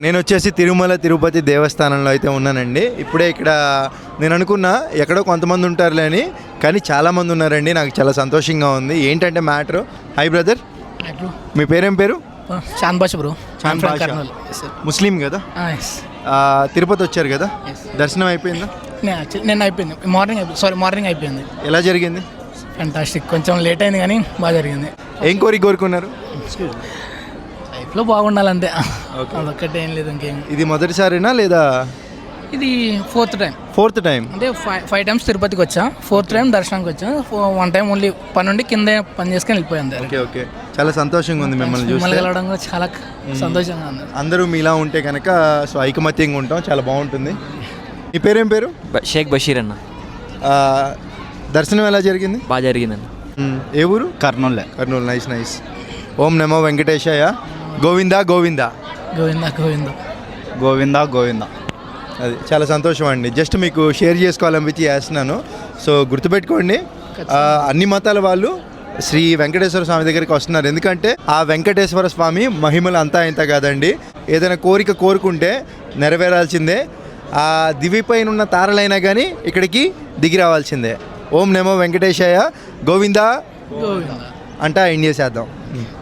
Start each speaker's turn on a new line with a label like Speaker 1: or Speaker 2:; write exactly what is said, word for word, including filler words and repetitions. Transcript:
Speaker 1: నేను వచ్చేసి తిరుమల తిరుపతి దేవస్థానంలో అయితే ఉన్నానండి. ఇప్పుడే ఇక్కడ నేను అనుకున్నా ఎక్కడో కొంతమంది ఉంటారులే అని, కానీ చాలామంది ఉన్నారండి. నాకు చాలా సంతోషంగా ఉంది. ఏంటంటే మ్యాటర్, హై బ్రదర్, మీ పేరేం పేరు?
Speaker 2: చాంద్ బాషా బ్రో.
Speaker 1: చాంద్ బాషా. ముస్లిం కదా? ఆ, తిరుపతి వచ్చారు కదా, దర్శనం అయిపోయిందా?
Speaker 2: నేను అయిపోయింది, మార్నింగ్ అయిపోయింది. సారీ మార్నింగ్ అయిపోయింది.
Speaker 1: ఎలా జరిగింది?
Speaker 2: ఫ్యాంటాస్టిక్. కొంచెం లేట్ అయింది కానీ బాగా జరిగింది.
Speaker 1: ఏం కోరిక కోరుకున్నారు?
Speaker 2: లైఫ్లో బాగుండాలంతే, అదొక్కటే, ఏం లేదు ఇంకేం.
Speaker 1: ఇది మొదటిసారినా లేదా?
Speaker 2: ఇది ఫోర్త్ టైం.
Speaker 1: ఫోర్త్ టైం
Speaker 2: అంటే ఫైవ్ ఫైవ్ టైమ్స్ తిరుపతికి వచ్చా, ఫోర్త్ టైం దర్శనానికి వచ్చా. వన్ టైం ఓన్లీ పని నుండి కింద పని చేసుకొని వెళ్ళిపోయింది.
Speaker 1: ఓకే ఓకే, చాలా సంతోషంగా ఉంది మిమ్మల్ని చూసి.
Speaker 2: మిమ్మల్ని కలవడం కూడా చాలా సంతోషంగా ఉంది.
Speaker 1: అందరూ మీలా ఉంటే కనుక సో ఐకమత్యంగా ఉంటాం, చాలా బాగుంటుంది. మీ పేరేం పేరు?
Speaker 3: షేక్ బషీర్ అన్న.
Speaker 1: ఆ, దర్శనం ఎలా జరిగింది?
Speaker 3: బాగా జరిగిందన్న.
Speaker 1: ఏ ఊరు?
Speaker 4: కర్నూలు.
Speaker 1: కర్నూలు. Nice nice. ఓం నమో వెంకటేశాయ. గోవిందా గోవిందా
Speaker 2: గోవిందా గోవిందా
Speaker 4: గోవిందా గోవిందా.
Speaker 1: అది చాలా సంతోషం అండి. జస్ట్ మీకు షేర్ చేసుకోవాలనిపించి చేస్తున్నాను. సో గుర్తుపెట్టుకోండి, ఆ, అన్ని మతాల వాళ్ళు శ్రీ వెంకటేశ్వర స్వామి దగ్గరికి వస్తున్నారు. ఎందుకంటే ఆ వెంకటేశ్వర స్వామి మహిమలు అంతా ఇంత కాదండి. ఏదైనా కోరిక కోరుకుంటే నెరవేరాల్సిందే. ఆ దివిపైన ఉన్న తారలైనా కానీ ఇక్కడికి దిగి రావాల్సిందే. ఓం నమో వెంకటేశాయ. గోవిందా
Speaker 2: గోవిందా
Speaker 1: అంటా ఎండ్ చేసేద్దాం.